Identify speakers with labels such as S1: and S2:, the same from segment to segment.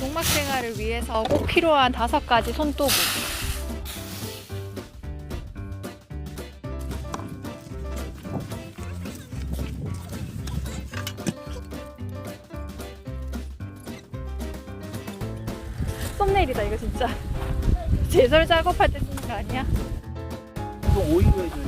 S1: 농막 생활을 위해서 꼭 필요한 5가지 손도구. 썸네일이다 이거 진짜. 제설 작업할 때 쓰는 거 아니야?
S2: 이거 오일로 해주는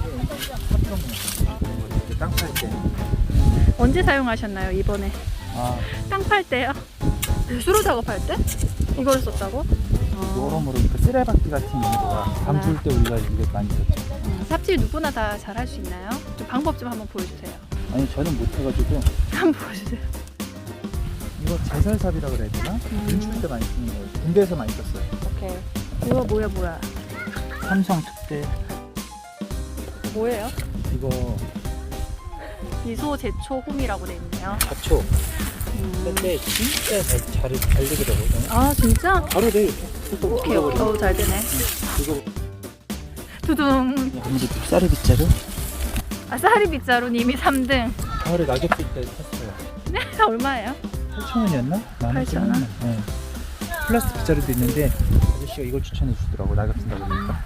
S2: 거 땅 팔 때.
S1: 언제 사용하셨나요 이번에? 땅 팔 때요? 배수로 작업할 때? 이걸 썼다고?
S2: 여러모로 그 쓰레받기 같은 용도가 밤줄 때 우리가 이게 많이 썼죠.
S1: 삽질 누구나 다 잘할 수 있나요? 좀 방법 좀 한번 보여주세요.
S2: 아니 저는 못해가지고
S1: 한번 보여주세요.
S2: 이거 제설삽이라 그래야 되나? 눈출 때 많이 쓰는 거예요. 군대에서 많이 썼어요.
S1: 오케이. 이거 뭐야?
S2: 삼성 특대
S1: 뭐예요?
S2: 이거
S1: 미소 제초 홈이라고 돼 있네요.
S2: 잡초. 근데 진짜 잘 되더라고요.
S1: 아 진짜?
S2: 바로 돼.
S1: 오케이. 잘 되네.
S2: 이거
S1: 두둥.
S2: 아무래도 쌀이 빗자루?
S1: 쌀이 빗자루 님이 3등.
S2: 가을에 낙엽 필때 샀어요.
S1: 네? 얼마예요?
S2: 8,000원이었나?
S1: 8,000원?
S2: 네. 플라스틱 빗자루도 있는데 아저씨가 이걸 추천해 주더라고. 낙엽 쓴다고 그러니까.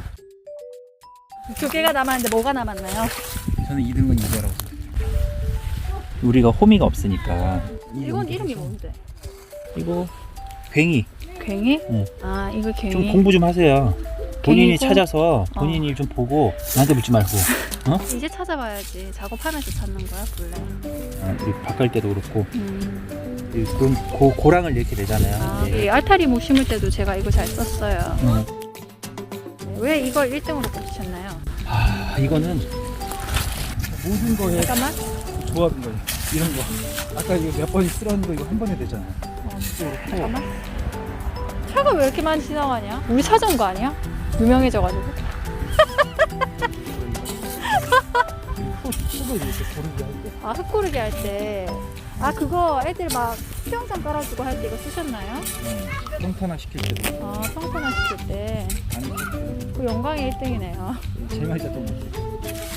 S1: 2개가 남았는데 뭐가 남았나요?
S2: 저는 2등은 이거라고. 우리가 호미가 없으니까.
S1: 이건 이름이 뭔데?
S2: 이거 괭이.
S1: 괭이?
S2: 응.
S1: 아 이거 괭이.
S2: 좀 공부 좀 하세요. 본인이
S1: 괭이고?
S2: 찾아서 본인이 좀 보고 나한테 묻지 말고.
S1: 이제 찾아봐야지. 작업하면서 찾는 거야 원래.
S2: 우리 바꿀 때도 그렇고. 그럼 고랑을 이렇게 내잖아요. 이제.
S1: 이 알타리 목 심을 때도 제가 이거 잘 썼어요.
S2: 응.
S1: 왜 이걸 1등으로 꼽으셨나요?
S2: 이거는 모든 거에
S1: 잠깐만.
S2: 조합인 거예요. 이런 거. 아까 이거 몇 번이 쓸었는 거 이거 한 번에 되잖아요.
S1: 잠깐만. 차가 왜 이렇게 많이 지나가냐? 우리 찾아온 거 아니야? 유명해져가지고.
S2: 수도 이렇게 고르게 할 때.
S1: 아 흙고르기 할 때. 아 그거 애들 막 수영장 깔아주고 할 때 이거 쓰셨나요?
S2: 평탄화 시킬 때도.
S1: 아 평탄화 시킬 때. 그 영광의 1등이네요.
S2: 제일 많이 썼던 거.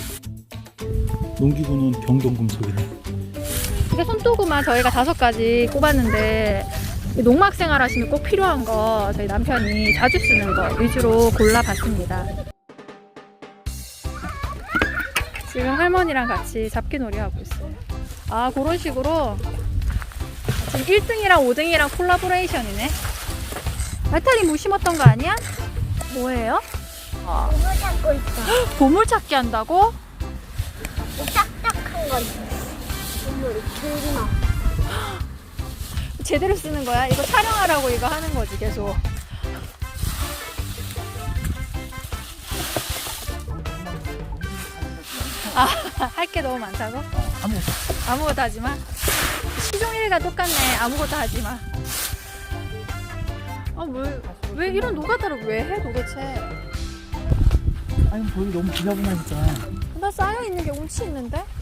S2: 농기구는 병동금속이네.
S1: 이게 손도구만 저희가 5가지 꼽았는데 농막 생활 하시면 꼭 필요한 거 저희 남편이 자주 쓰는 거 위주로 골라봤습니다. 지금 할머니랑 같이 잡기놀이 하고 있어요. 아 그런 식으로 지금 1등이랑 5등이랑 콜라보레이션이네. 알타리 무 심었던 거 아니야? 뭐예요?
S3: 보물 찾고 있어.
S1: 보물 찾기 한다고?
S3: 딱딱한 거 있어. 보물 들기나.
S1: 제대로 쓰는 거야? 이거 촬영하라고 이거 하는 거지 계속. 아, 할 게 너무 많다고? 아무것도 하지 마. 시종일가 똑같네. 아무것도 하지 마. 아, 왜 이런 노가다를 왜 해 도대체?
S2: 아니 거기 너무 지저분하니까.
S1: 나 쌓여 있는 게 운치 있는데?